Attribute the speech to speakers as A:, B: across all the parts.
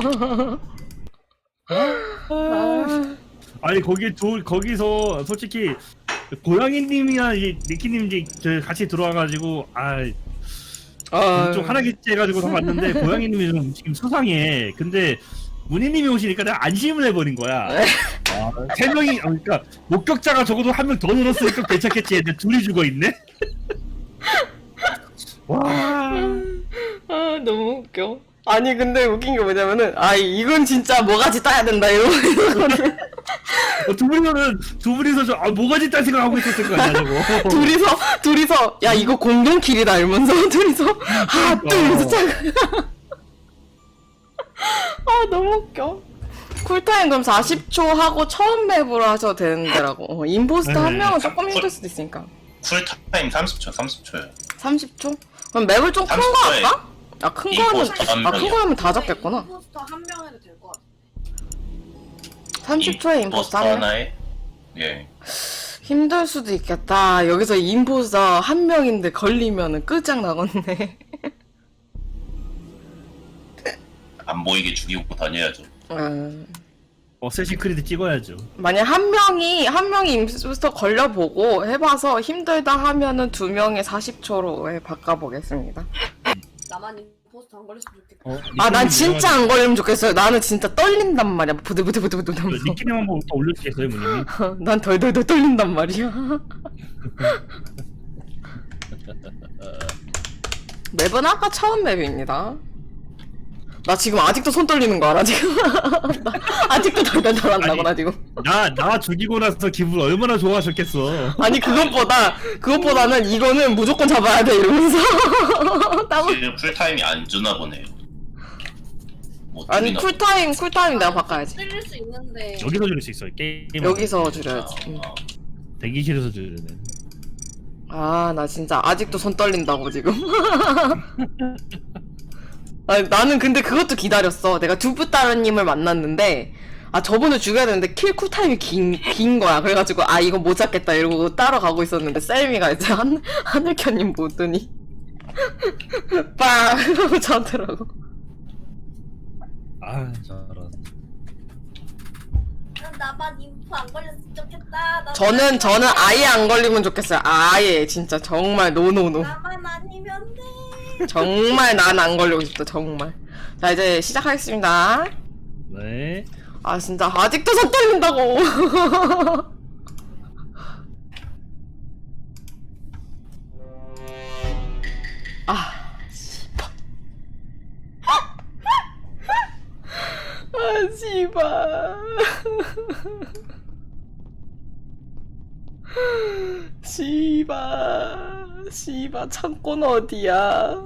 A: 아니 거기서 솔직히 고양이님이나 이 니키님 이제 같이 들어와가지고 좀 하나겠지 해가지고 봤는데 고양이님이 좀 지금 수상해. 근데 문희님이 오시니까 내가 안심을 해버린 거야. 세 명이 그러니까 목격자가 적어도 한 명 더 늘었으니까 괜찮겠지 했는데 둘이 죽어 있네. 와.
B: 너무 웃겨. 아니 근데 웃긴 게 뭐냐면은 이건 진짜 뭐가지 따야 된다 이러거든.
A: 두 분이서 뭐가지 딴 생각하고 있었을 거 아니야 저거.
B: 둘이서 야 이거 공동킬이다 이러면서 둘이서 이러면서 너무 웃겨. 쿨타임 그럼 40초 하고 처음 맵으로 하셔도 되는데라고. 임포스터 한 명은 조금 힘들 수도 있으니까.
C: 쿨타임 30초요.
B: 30초? 그럼 맵을 좀 큰 거
C: 30초 에
B: 할까? 큰 거 하면 큰 거 하면 다 잡겠구나.
D: 임포스터 한 명 해도 될 것 같아.
B: 30초에 임포스터 한 명?
C: 하나에 예.
B: 힘들 수도 있겠다. 여기서 임포스터 한 명인데 걸리면은 끝장나겠네.
C: 안 보이게 죽이고 다녀야죠.
A: 어쌔신 크리드 찍어야죠.
B: 만약 한 명이 임포스터 걸려보고 해봐서 힘들다 하면은 두 명의 40초로 바꿔보겠습니다.
D: 나만 임포스터 안 걸렸으면 좋겠다.
B: 난 진짜 안 걸리면 좋겠어요. 나는 진짜 떨린단 말이야. 부들부들부들 하면서.
A: 니키님 한번 더 올려주겠어요, 문희님?
B: 난 덜덜덜 떨린단 말이야. 맵은 아까 처음 맵입니다. 나 지금 아직도 손 떨리는 거 알아, 지금? 나 아직도 덜덜덜 한다고, 나 지금.
A: 나 죽이고 나서 기분 얼마나 좋아하셨겠어.
B: 아니, 그것보다는 이거는 무조건 잡아야 돼, 이러면서.
C: 지금 쿨타임이 안 주나 보네요.
B: 아니, 쿨타임 내가 바꿔야지.
D: 줄일 수 있는데.
A: 여기서 줄일 수 있어요, 게임.
B: 여기서 줄여야지.
A: 대기실에서 줄이네.
B: 나 진짜 아직도 손 떨린다고, 지금. 나는 근데 그것도 기다렸어. 내가 두부따르님을 만났는데 저분을 죽여야 되는데 킬 쿨타임이 긴 거야. 그래가지고 이거 못 잡겠다 이러고 따라가고 있었는데 셀미가 이제 하늘켜님 보더니 빵! 이러고 자더라고.
A: 저런.
D: 나만 인포 안 걸렸으면 좋겠다.
B: 저는 아예 안 걸리면 좋겠어요. 아예 진짜 정말 노노노.
D: 나만 아니면 돼.
B: 정말 난 안 걸리고 싶다. 정말. 자 이제 시작하겠습니다.
A: 네.
B: 진짜 아직도 손 떨린다고. 씨발. 씨발 창고는 어디야?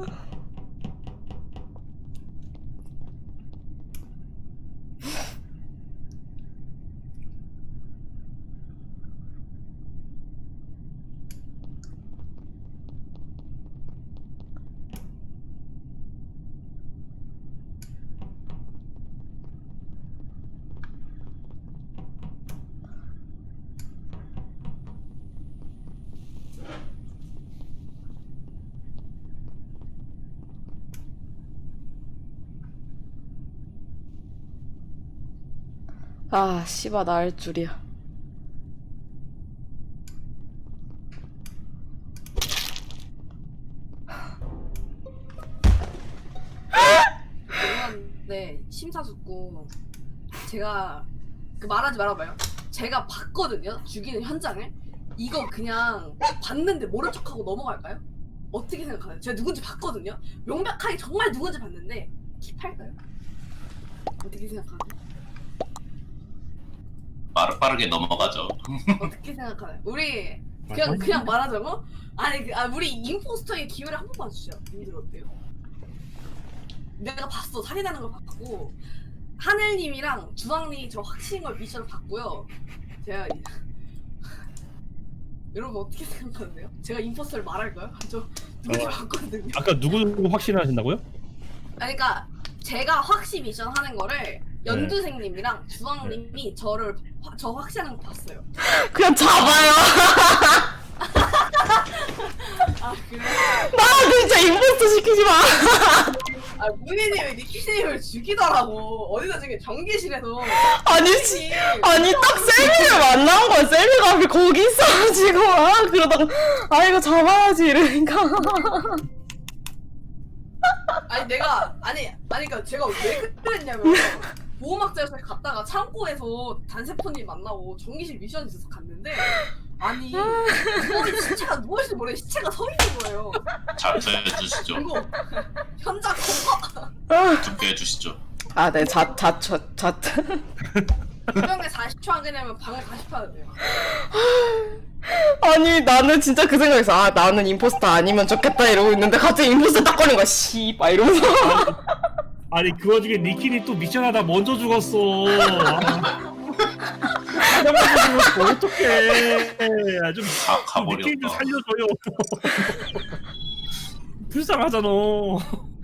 B: 씨발 나 알 줄이야.
D: 네, 심사숙고 제가 말하지 말아봐요. 제가 봤거든요. 죽이는 현장을. 이거 그냥 봤는데 모른 척하고 넘어갈까요? 어떻게 생각하나요? 제가 누군지 봤거든요. 명백하게 정말 누군지 봤는데 킵할까요? 어떻게 생각하나요?
C: 빠르게 넘어가죠.
D: 어떻게 생각하나요? 우리 그냥 말하자고? 아니 우리 임포스터의 기회를 한 번만 주죠. 님들 어때요? 내가 봤어. 살인하는 걸 봤고 하늘님이랑 주황님이 저 확신인 걸 미션을 봤고요. 제가 여러분 어떻게 생각하는데요? 제가 임포스터를 말할까요? 저 누군지 봤거든요.
A: 아까 누구 확신하신다고요?
D: 아니 그러니까 제가 확신 미션 하는 거를 연두생님이랑 주황님이 저 확신하는 거 봤어요.
B: 그냥 잡아요.
D: 아 그래?
B: 나 진짜 임포스터 시키지 마.
D: 아 문희님이 니키님을 죽이더라고. 어디서 중에 전기실에서.
B: 아니 아니 딱 셀미를 만난 거야. 셀미가 거기 있어가지고 그러다가 이거 잡아야지 이러니까.
D: 아니 내가 아니 그러니까 제가 왜 그랬냐면 보호막자에서 갔다가 창고에서 단세포님 만나고 전기실 미션이 있어서 갔는데 아니 시체가 누워있는지 모르겠는데 시체가 서 있는 거예요.
C: 자퇴해 주시죠.
D: 그리고 현장 검거
C: 듣게 해주시죠.
B: 네,
D: 분명히 40초 안 되냐면 방을 다시 파야 돼요.
B: 아니 나는 진짜 그 생각했어. 나는 임포스터 아니면 좋겠다 이러고 있는데 갑자기 임포스터 딱 걸린 거야. 씨발 이러면서.
A: 아니 그 와중에 니키니 또 미션하다 먼저 죽었어. 먼저 죽었어. 어떡해. 좀
C: 가버렸다.
A: 니키니 좀 살려줘요. 불쌍하잖아.